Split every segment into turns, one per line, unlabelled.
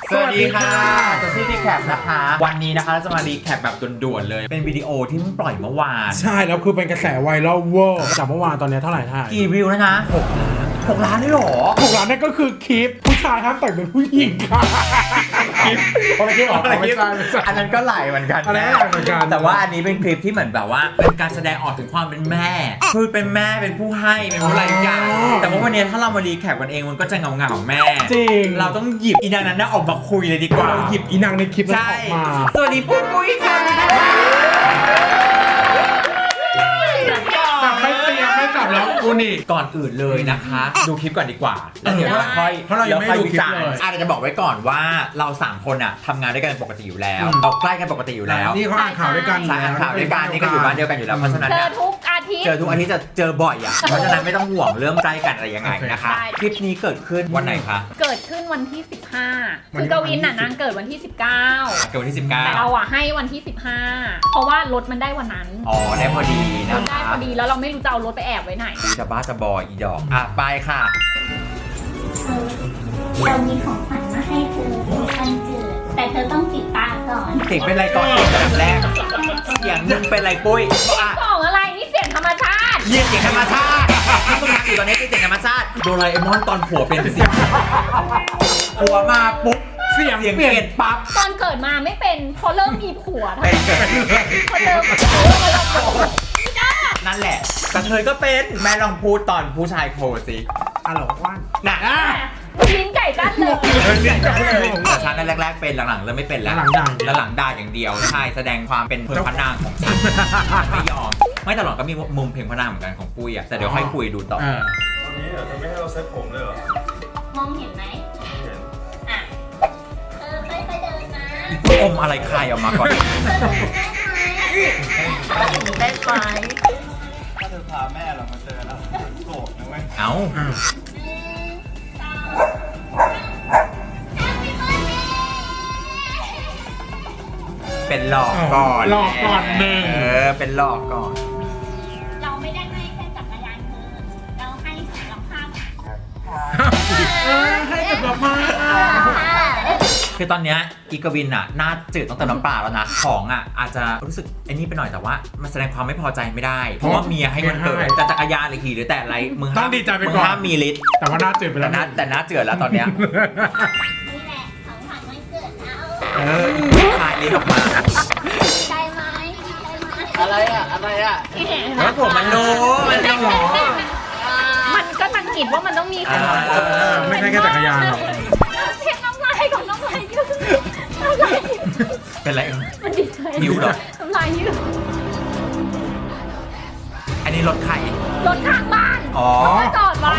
สวัสดีค่ะจะซี่รีแคปนะคะวันนี้นะคะเราจะมารีแคปแบบด่วนๆเลยเป็นวิดีโอที่เพิ่งปล่อยเมื่อวาน
ใช่แล้วคือเป็นกระแสไวรัลเวอร์จากเมื่อวานตอนนี้เท่าไหร่ท่า
กี่วิวนะคะ6 ล้านได้หรอ
6 ล้านนั่นก็คือคลิปผู้ชายห้ามแต่งเป็นผู้หญิงค่ะคลิปอะไรคลิปออกไม่ใช่
อันนั้นก็ไหลเหมือนกัน
อะไรก็ไหลเหมือนกัน
แต่ว่าอันนี้เป็นคลิปที่เหมือนแบบว่าเป็นการแสดงออกถึงความเป็นแม่คือเป็นแม่เป็นผู้ให้เป็นผู้อะไรอย่างแต่ว่าวันนี้ถ้าเรามารีแคปกันเองมันก็จะเงาของแม่
จริง
เราต้องหยิบอีนางนั้นออกมาคุยเลยดีกว่า
หยิบอีนางในคลิปนั้นออกมา
สวัสดีปุ้ยค่ะ
ไม่เตรียมไม่จับแล้วกูนี่
ก่อนอื่นเลยนะคะดูคลิปก่อนดีกว่าแล้วเดี๋ยวเราค่อย
เพราะเรายังไม่ดูคลิปเลย
อาจจะบอกไว้ก่อนว่าเรา3คนทำงานด้วยกันปกติอยู่แล้วเราใกล้กันปกติอยู่แล้ว
นี่เขาอ่านข่าวด้วยกัน
อ่านข่าวด้วยกันนี่ก็อยู่บ้านเดียวกันอยู่แล้วเพราะฉะนั้น
เจอทุกอาทิตย์
จะเจอบ่อยเพราะฉะนั้นไม่ต้องห่วงเรื่องใกล้กันอะไรยังไงนะคะคลิปนี้เกิดขึ้นวันไหนคะ
เกิดขึ้นวันที่15คือกวินนางเกิดวันที่19
เกิดวันที่19
แต่เราให้วันที่15เพราะว่ารถมันได้วันนั้น
อ๋อได้พอดีนะ
ได้พอดีแล้วเราไม่รู้จะเอารถไปแอบไว้ไหน
จะบ้าจะบอยอีดอกไปค่ะ
เรามีของขวัญมาให้เธอเป็นวันเกิดแต่เธอต้องปิดตาก่อน
เสียงเป็นไรก่อนแบบแรกเสียงมึงเป็นไรปุ้ย
ของอะไรนี่เสียงธรรมชาติ
เสียงธรรมชาติที่มึงทำอยู่ตอนนี้คือเสียงธรรมชาติโดราเอมอนตอนผัวเป็นเสียงผัวมาปุ๊บเสียงเปลี่ยนปั๊บ
ตอนเกิดมาไม่เป็นพอเริ่มมีผัวพอเริ่ม
นั่นแหละกระเทยก็เป็นแม่ลองพูดตอนผู้ชายโผล่สิ
หรอว่าน
น่ะ
ลิ้นไก่ตั้นเลย
แต่ฉันนั่นแรกๆเป็นหลังๆเริ่มไม่เป็นแล้วหลังด่าอย่างเดียวใช่แสดงความเป็นพระนางของฉันไม่ยอมไม่ตลอดก็มีมุมเพลงพระนางเหมือนกันของปุ้ยแต่เดี๋ยวค่อยคุยดูต่อ
ตอนนี้เธอไม่ให้เราเซ็ตผมเลยเหรอ
มองเห็นไหม
เห็น
ไปเดินนะ
อมอะไรคายออกมาก่อน
ได้ไหม
ถ้าเธอพาแม่เรามาเจอเราโกรธนะเว้ย
เอ้าเป็นหลอกก่อน
หนึ่ง
เป็นหลอกก่อน
เราไม่ได้ให้แค่จักรยานเธอเราให้สารภาพ
ให้จักรภาพ
คือตอนเนี้ยอีกวินหน้าจืดต้องเติมน้ำปลาแล้วนะของอาจจะรู้สึกไอ้นี่ไปหน่อยแต่ว่ามันแสดงความไม่พอใจไม่ได้เพราะว่าเมียให้มันเกิดจะจักรยานหรือขี่หรือแต่อะไรมึง
ต้องดีใจไปก่อน
ห้ามมีฤทธิ์
แต่ว่าหน้าจืดไปแล้ว
แต่หน้าจืดแล้วตอนเนี้ย
นี่แหละของขวัญวันเกิดเรา
คายลิ้นออกมา
ได้ไหม
อะไร
แล้วผมมันรู้
มันก็ตั้งหิดว่ามันต้องมีขนม
ไม่ใช่แค่จักรยานหรอก
เช็ดน้ำลายก่อนน้ำลายยืด
เป็นไร
มันดีใจ
หิวหรอ
น้ำลายยืด
อันนี้รถใคร
รถข้างบ้านจอดไว้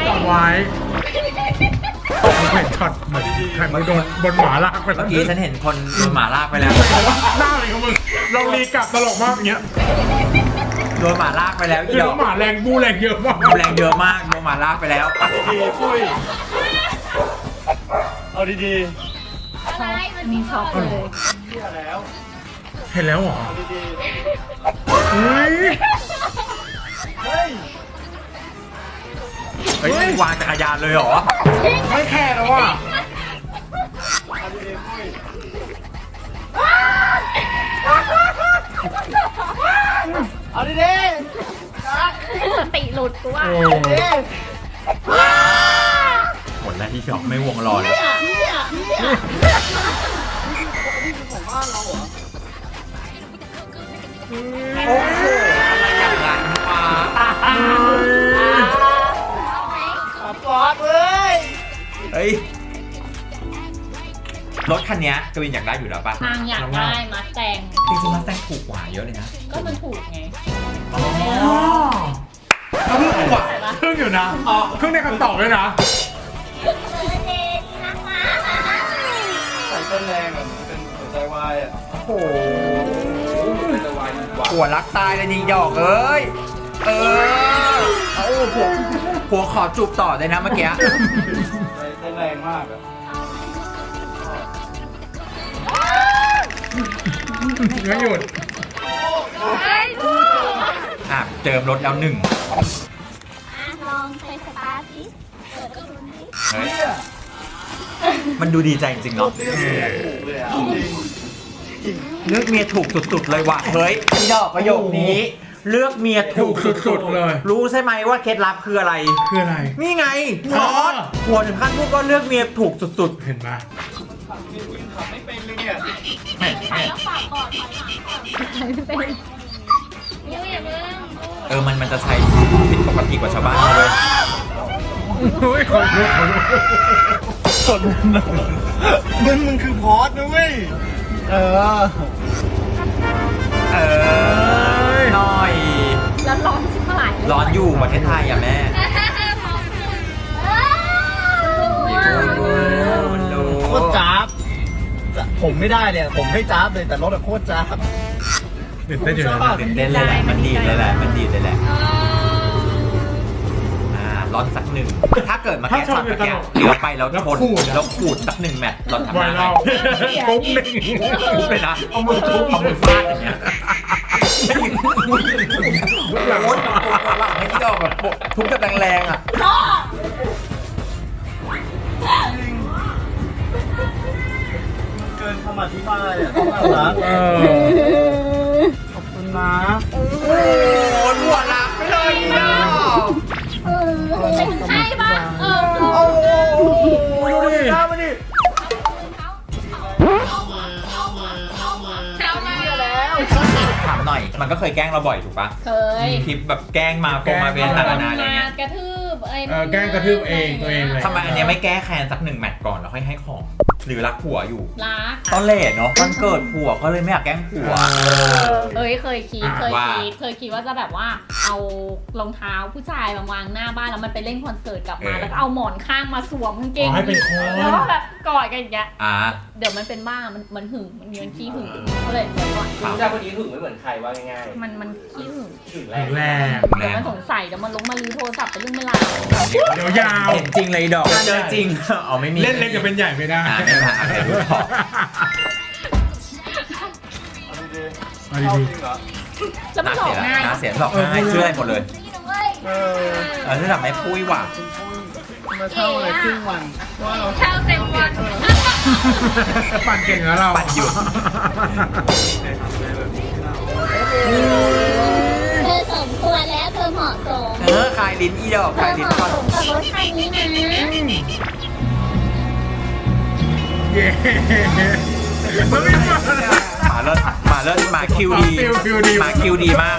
เห็นช็อตเหมือนใครมาโดนบนหมาลากไป
เมื่อกี้ฉันเห็นคนโดนหมาลากไปแล้ว
หน้าอะไรของมึงลองรีกลับตลกมากอย่างเงี้ย
โดนหมาลากไปแล้ว
คือหมาแรงบูแรงเยอะมาก
แรงเยอะมากโดนหมาลากไปแล้ว
ดีปุ้ยเอาดี
ใช่มันมีช็อปเลย
เห็นแล้วเหรอ
เฮ้ยวางจักรยานเลยเหรอ
ไม่แค่แล้วว่ะ
เอาดี
สติหลุดกูว่า
หมดแล้วที่ช็อปไม่วงรอเลยโอ้โหอะไรอย่างนั้นวะ
ปอดเลย
เฮ้ยรถคันนี้กวินอยากได้อยู่แล้วป่ะ
นางอยากได้มาแซง
จริงๆมาแซงถูกกว่าเยอะเลยนะ
ก็มันถูกไง
เขาเพิ่งถูกกว่าเพิ่งอยู่นะเพิ่งได้คำตอบเลยนะ
ใส่ต้นแรงอ่ะมันเป็นหัวใจวายอ่ะ
โอ้โหหัวรักตายเลยนี่หยอกเอ้ยเอาผัวขอจูบต่อเลยนะเมื่อกี้
ใส่ต้นแรงมากอ่ะ
ไม่หยุด
เจิมรถแล้ว1
ลองไปสตาร์ทสิเปิดดูดิ
มันดูดีใจจริงๆเนาะ
ถูกเลยอ่ะ
เลือกเมียถูกสุดๆเลยว่ะเฮ้ยพี่ดอกประโยคนี้ เลือกเมียถูก
สุ
สุ
ด
ด
ๆเลย
ๆรู้ใช่ไหมว่าเคล็ดลับคืออะไร
คืออะไร
นี่ไงพ
อ๋
อ
อ
สหัวถึงขั้นพูดว่าเลือกเมียถูกสุด
เห็นไหม
ขับไม่เป็นเลยเนี่ย
ๆแหม่
แล้วฝากก่อนถอยหลังก่อนไม่เป็นยูอย่าเพิ่ง
มันจะใช้ผิดปกติกว่าชาวบ้านเขาเลย
เฮ้ยขอโทษขอโทษ
มึงคือพอสนะเว้ย
เออหน่อย
แล้วร้อนชิบหาย
ร้อนอยู่ประเทศไทยอ่ะแม่มันดู
โคตรจ้าบผมไม่ได้เนี่ยผมไม่จ้าบเลยแต่รถอะโคตรจ้าบ
ตื่นเต้นอยู่นะ
ตื่นเต้นเลยแหละมันดีดเลยแหละมันดีดเลยแหละร้อนสักหนึ่งถ้าเกิดมาแก้ช็อตเมื่อกี้เหลือไปแล้วชนแล้วขูดสักหนึ่งแมตช์เราทำ
ไว
ได้
เราปุ๊บหนึ่ง
ทุบเลยนะเอามือทุบเอามือฟาดอย่างเงี้ยหลังหลังให้ที่เราแบบทุบแบบแรงๆอ่ะ
เกินคำอธิบายอ่ะต้องเอาละ ขอบคุณนะ
โอ้ยหัวหลักไปเลยเนาะ
ใช่ปะ
โ
เอ
อ้โหดูดิหน้ามันดิ
เข้ามาแล้ว
ถามหน่อยมันก็เคยแกล้งเราบ่อยถูกปะ
เคย
คลิปแบบแกล้งมาโกงมาเวียนต่างๆนานาอะไรเงี้ย
กระทืบอะไร
แกล้งกระทืบเองตัวเองเลย
ทำไมอันเนี้ยไม่แก้แค้นสักหนึ่งแมตช์ก่อนแล้วค่อยให้ของ หรือรักผัวอยู่
รัก
ตอนเลทเนาะวันเกิดผัวก็เลยไม่อยากแกล้งผัว
เคยคิดว่าจะแบบว่าเอารองเท้าผู้ชายมาวางหน้าบ้านแล้วมันไปเล่นคอนเสิร์ตกลับมาแล้วก็เอาหมอนข้างมาสวมกางเกง
ให้เป็นคน
แล้วก็แบบกอดกันอย่างเงี้ย
อ่า
เดี๋ยวมันเป็นบ้ามันหึงมันมีมันขี้หึงก็เลยเดี๋ยวก่อน
ผู้ชายคนนี้หึงไม่เหมือนใครว่าง่าย
มันขี้หึง
ๆหึงแร
แรง งแรง
เดี๋ยวมันสงสัยเดี๋ยวมันมาลื้อโทรศัพท์ไปเรื่องไม่ราว
เดี๋ยวยาว
เห็นจริงเลยดอกเจอจริงอ๋อไม่มี
เล่นเล็กจะเป็นใหญ่ไม่ได้
ไม่มาอาจจะรู้พอ
เอาดีๆ
เอา
เอา
ดี
จริงเหรอ
แล้วมันหลอกง่าย
หน้าเสียหลอกง่ายเชื่อได้หมดเลย
เออ
นี่ทำให้ปุ้ยว่ะ
มาเช่าเลยครึ่งวันว่าเรา
เช่าเต็มวัน
ๆปั่นเก่งแล้วเรา
ปั่นหยุด
เธอสมควรแล้วเธอเหมาะสม
คลายลิ้นอีดอก
เธ
คลา
อย เห
ลิ้น
มาะ
ก่อน
สมกับรถคันนี้นะ
เย้มันไม่มา
มาเลิศมาคิวดี
ฟิลดี
มาคิวดีมาก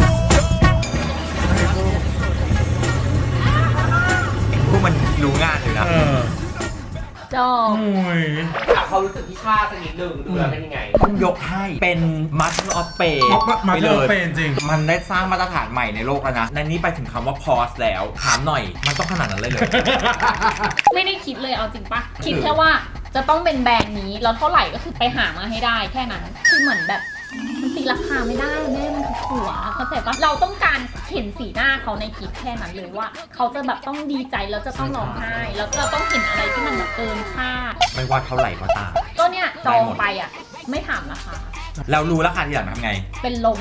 พวกมันรู้งานอยู่นะ
จบ
โอ้ย
ถามเขารู้สึกที่ชาสักนิดนึงดูแล้วเป็นยังไง
ต้องยกให้เป็นมัสออฟเปย์
มา
ไป
เจ
เล
อย เป็นจริง
มันได้สร้างมาตรฐานใหม่ในโลกแล้วนะในนี้ไปถึงคำว่าพอสแล้ว ถามหน่อย มันต้องขนาดนั้นเลยเหรอ
ไม่ได้คิดเลยเอาจริงปะคิดแค่ว่าจะต้องเป็นแบรนด์นี้แล้วเท่าไหร่ก็คือไปหามาให้ได้แค่นั้นคือเหมือนแบบมันตีราคาไม่ได้แม่มันคือผัวเข้าใจปะเราต้องการเห็นสีหน้าเขาในคลิปแค่นั้นเลยว่าเขาจะแบบต้องดีใจแล้วจะต้องร้องไห้แล้วเราต้องเห็นอะไรที่มันแบบเกินคาด
ไม่ว่าเท่าไหร่ก็ตาม
ก็เนี่ยจองไปอ่ะไม่ถามราคา
เรารู้ราคาทีหลังทำไง
เป็นลม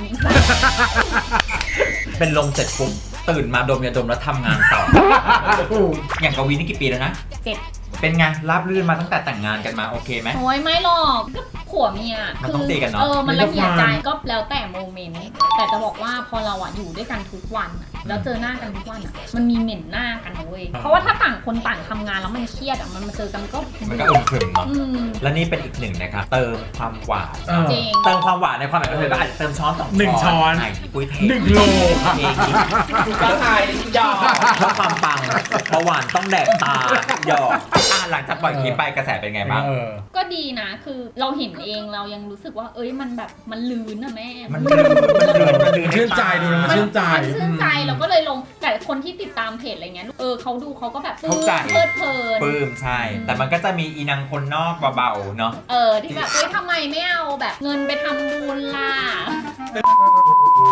เป็นลมเสร็จปุ๊บตื่นมาดมยาดมแล้วทำงานต่อ อย่างกวีนี่กี่ปีแล้วนะ
เจ็บ
เป็นไงราบรื่นมาตั้งแต่แต่งงานกันมาโอเคไหม
โอ้ยไม่หรอกก็ผัวเมีย
มันต้องตีกันเนอะ
มันละเอียดใจก็แล้วแต่โมเมนต์แต่จะบอกว่าพอเราอ่ะอยู่ด้วยกันทุกวันอะแล้วเจอหน้ากันทุกวันอ่ะมันมีเหม็นหน้ากันนะเว้ยเพราะว่าถ้าต่างคนต่างทำงานแล้วมันเครียดอ่ะมันมาเจอกันก็
มันก็อึมครึมเนาะ
อืม
และนี่เป็นอีกหนึ่งนะครับเติมความหวาน
จริง
เติมความหวานในความหมายก็คือก็อาจจะเติมช้อนสอง
หนึ่งช้อน
ไอ้ปุ้ยเท
1 โล
เทอีก
ก็ทายที่ยอม
เพื่อความปังเบาหวานต้องแดกตาหยอกหลังจากปล่อยคลิปไปกระแสเป็นไงบ้าง
ก็ดีนะคือเราเห็นเองเรายังรู้สึกว่าเอ้ยมันแบบมันลื่นนะแม่
มันลื่น
ชื่นใจดูนะมันชื่นใจ
มันชื่นใจเราก็เลยลงแต่คนที่ติดตามเพจอะไรเงี้ยเขาดูเขาก็แบบปลื้มเพลิดเพลิน
ปลื้มใช่ แต่มันก็จะมีอีนางคนนอกเบาๆเนาะ
ที่แบบเฮ้ยทำไมไม่เอาแบบเงินไปทำบุญล่ะ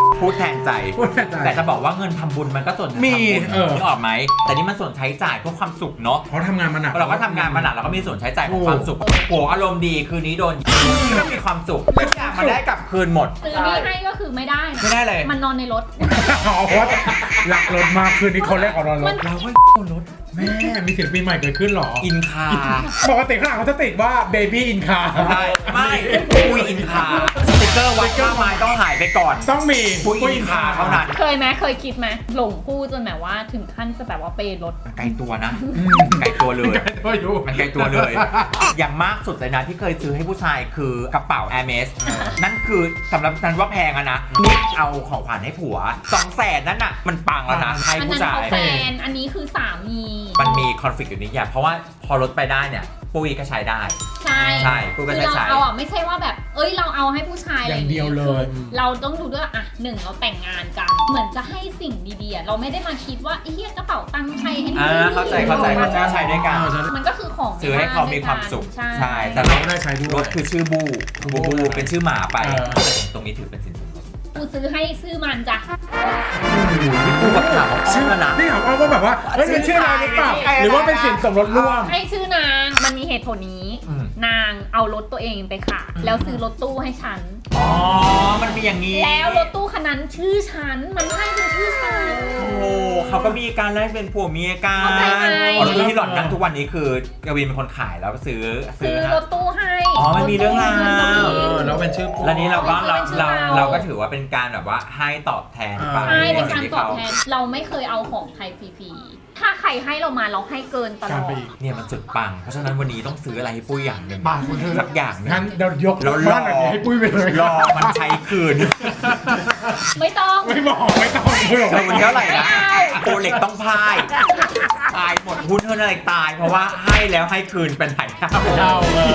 พูดแทนใจ
พูดแทนใจ
แต่จะบอกว่าเงินทำบุญมันก็ส่วนหนึ่ง
มี
ทำบุญนึกออกไหมแต่นี่มันส่วนใช้จ่ายเพื่อความสุขเนาะ
เขาทำงานมาหนัก
เราก็ทำงานมาหนักเราก็มีส่วนใช้จ่ายของความสุขโหอารมณ์ดีคืนนี้โดนก็มีความสุขทุกอย่างมันได้กลับคืนหมด
ซื้อนี้ให้ก็คือไม่ได้นะ
ไม่ได้เลย
มันนอนในรถ
อ๋อเพราะว่าหลักรถมากคืนนี้คนแรกของเรารถ
เราก็รถ
แม่มีศิลปินใหม่เกิดขึ้นเหรอ
อินคา
ปกติข้างหลังเขาจะติดว่า Baby in car
ใช่ไม่ปุยอินคาสติกเกอร์วัดค่าไม้ต้องหายไปก่อน
ต้องมี
ปุยอินคาเท่านั้น
เคยไหมเคยคิดไหมหลงคู่จนแบบว่าถึงขั้นจะแบบว่าเปย์รถ
ไกลตัวนะไกลตัวเลย
ไกลตัวอยู่
มันไกลตัวเลย อย่างมากสุดเลยนะที่เคยซื้อให้ผู้ชายคือกระเป๋า Hermes นั่นคือสำหรับฉันว่าแพงอะนะนี่เอาของขวัญให้ผัว 200,000นั่นน่ะมันปังแล้วนะให้
อัน
ผู้
นั้น
ชาย
เขาแฟน อันนี้คือสามี
มันมีคอนฟ lict อยู่นิดอย่างเพราะว่าพอลดไปได้เนี่ยปุ้ยก็ใช้ได้
ใช่
ใช่กูก็
คือ
ใช้
เราเอาอ่ะไม่ใช่ว่าแบบ เอ้ยเราเอาให้ผู้ชายอะไร
อย่างเดียวเลย
คือเราต้องดูด้วยอ่ะหนึ่งเราแต่งงานกัน เหมือนจะให้สิ่งดีๆอ่ะเราไม่ได้มาคิดว่าไอ้เหี้ยกระเป๋าตังค์ใครให้
เข้าใจใช้ด้วยกัน
มันก็คือของ
ซื้อให้เขามีความสุข
ใช่
ใช่แต่
เรา
เรา
ก็ได้ใช้ด้วย
รถคือชื่อบูเป็นชื่อหมาไป
เออ
แต่ตรงนี้ถือเป็นสินสมรส
กูซื้อให้ซื้อมันจ้ะ
นี่กูแบบถามว่าชื่อนะ
นี่ถามว่าแบบว่าเฮ้ยเป็นชื่อนายหรือเปล่าหรือว่าเป็นสินสมรสร่วม
ให้ชื่อนางมันมีเหตุผลนี้ นางเอารถตัวเองไปขายแล้วซื้อรถตู้ให้ฉัน
อ๋อมันมีอย่างนี้
แล้วรถตู้คันนั้นชื่อฉันมันให้เป็นชื่อฉัน
โอ้เขาก็มีการแลกเป็นผัวเมียกัน
เข้าใจไหม
อ๋อแล้วที่หล่อนนั่งทุกวันนี้คือกวินเป็นคนขายแล้วซื้อ
รถตู้ให้
อ๋อมันมีเรื่องราว
แล้วเป็นชื่อ
แล้วนี้เราก็
เป็นชื่อเรา
เราก็ถือว่าเป็นการแบบว่าให้ตอบแทนไป
ใช่เป็นการ
สิ่งที่
ตอบแทนเราไม่เคยเอาของใครฟรีๆถ้าใครให้เรามาเราให้เกินตล
การ
อด
ไปอีก
เนี่ยมันสุดปัง เพราะฉะนั้นวันนี้ต้องซื้ออะไรให้ปุ้ยอย่างหนึ่ง
บางคนเธอ
สักอย่างหนึ่ง
งั้นเดี๋ยวยก
แล้ว
บ้านหลังนี้ให้ปุ้ยไปเลย
รอมันใช้คืน
ไม่ต้อง
ไม่บอกไม่ต้องไม่บอก
เธอวันนี้เท่าไหร่นะ
ไม่เอา
โปรเล็กต้องพายตายหมดหุ้นเท่านั้นตาย เพราะว่าให้แล้วให้คืนเป็นไหนเท่า
เอาเออก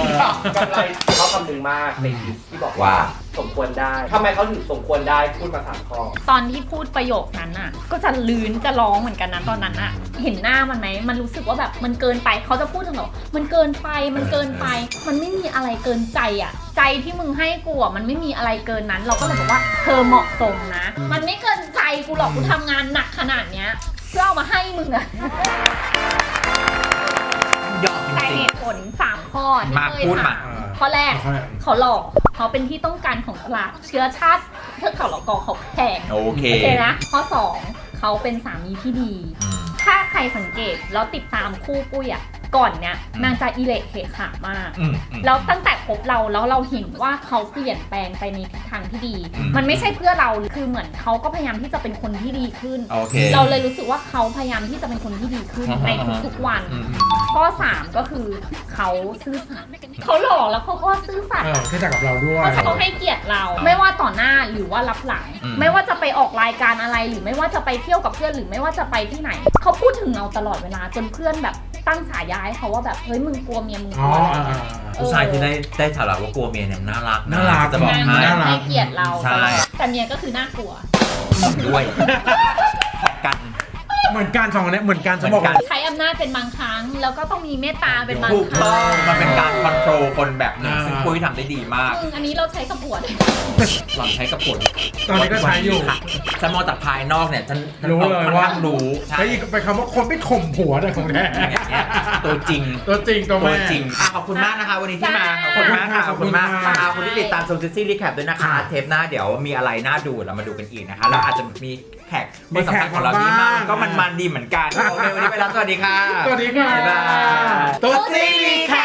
ำไรเขาคำหนึ่งมากในคลิปที่บอกว่า
ว่า
สมควรได้ทำไมเขาถึงสมควรได้พูดมา3 ข้อ
ตอนที่พูดประโยคนั้นอ่ะ ก็จะลื้นจะร้องเหมือนกันนะตอนนั้นอ่ะ เห็นหน้ามันไหมมันรู้สึกว่าแบบมันเกินไปเขาจะพูดถึงเรามันเกินไปมันเกินไป มันไม่มีอะไรเกินใจอ่ะ ใจที่มึงให้กูอ่ะมันไม่มีอะไรเกินนั้น เราก็เลยบอกว่าเธอเหมาะสมนะ มันไม่เกินใจกูหรอกกูทำงานหนักขนาดเนี้ยเพื่อเอามาให้มึงอ่ะ
ยอดจ
แต่
ริง
เหตุผล3ข้อที่
มา
เคย
พูดมา
ถามข้อแรกเขาหล่อเขาเป็นที่ต้องการของตลาดเชื้อชาติเทือกเขาเหล่ากอเขาแพง
ๆโอเค
โอเคนะข้อ 2 เขาเป็นสามีที่ดี
อืม
ถ้าใครสังเกตแล้วติดตามคู่ปุ้ยอ่ะก่อนเนี้ยนางจะอิเละเขะขามาก
อืม
แล้วตั้งแต่คบเราแล้วเราเห็นว่าเขาเปลี่ยนแปลงไปในทิศทางที่ดี
อืม
มันไม่ใช่เพื่อเราคือเหมือนเขาก็พยายามที่จะเป็นคนที่ดีขึ้น
โอเค
เราเลยรู้สึกว่าเขาพยายามที่จะเป็นคนที่ดีขึ้นในทุกๆวัน
อืม
ข้อ 3 ก็คือเขาซื่อสัตย์เขาหล่อแล้วเขาก็ซื่อสัตย์
ที่จะกับเราด้วย
เพราะเขาให้เกียรติเรา ไม่ว่าต่อหน้าหรือว่ารับหลัง
อืม
ไม่ว่าจะไปออกรายการอะไรหรือไม่ว่าจะไปเที่ยวกับเพื่อนหรือไม่ว่าจะไปที่ไหน เขาพูดถึงเราตลอดเวลาจนเพื่อนแบบตั้งฉายาให้เขาว่าแบบเฮ้ยมึงกลัวเมียมึงก
อ๋อ
ลัวอะไร
อ่า
เงี้ย
ผู้ชายที่ได้ฉลาดว่ากลัวเมียเนี่ยน่ารัก
น่ารัก
จะบอก
นาง
ให้
น่ารัก
ให้เกียรติเรา
ใช่
ตลอดแต่เมียก็คือน่ากลัว
ด้วยขอกัน
เหมือนกันสองคนเนี้ยเหมือนกันจะบอกว่า
ใช้อำนาจเป็นบางครั้ง แล้วก็ต้องมีเมตตาเป็นบาง
ถูก
ครั้
ต้อง
ง
มันเป็นการคอนโทรลคนแบบหนึ่ง
อ่า
ซึ่งปุ้ยทำได้ดีมาก
ซึ่งอันนี้เราใช้กับผัวด้วย
หล่อนใช้กับผล
ตอนนี้ก็ใช้อยู่
ค่ะฉันมองจากภายนอกเนี่ยฉัน
รู้เลย
ค่อน
ว่า
ข้างรู้ใช่
แล้วอีกเป็นคำว่าคนไปข่มผัวแต่ของแท้
เนี่ยตัวจริง
ตัวจริงตัว
ตัว
แม่
จริงขอบคุณมากนะคะ วันนี้ที่มา ขอบคุณมากค่ะ ขอบคุณมากขอบคุณที่ติดตามโซซิซี่รีแคปด้วยนะคะ เทปหน้าเดี๋ยวมีอะไรน่าดูเรามาดูกันอีกนะคะ แล้วอาจจะมีแขกคนสำคัญของเราที่มาก็มันๆดีเหมือนกัน โอเค วันนี้ไปแล้ว สวัสดีค่ะ
สวัสดีค่ะ
บ๊ายบาย
ตัวซีรีแค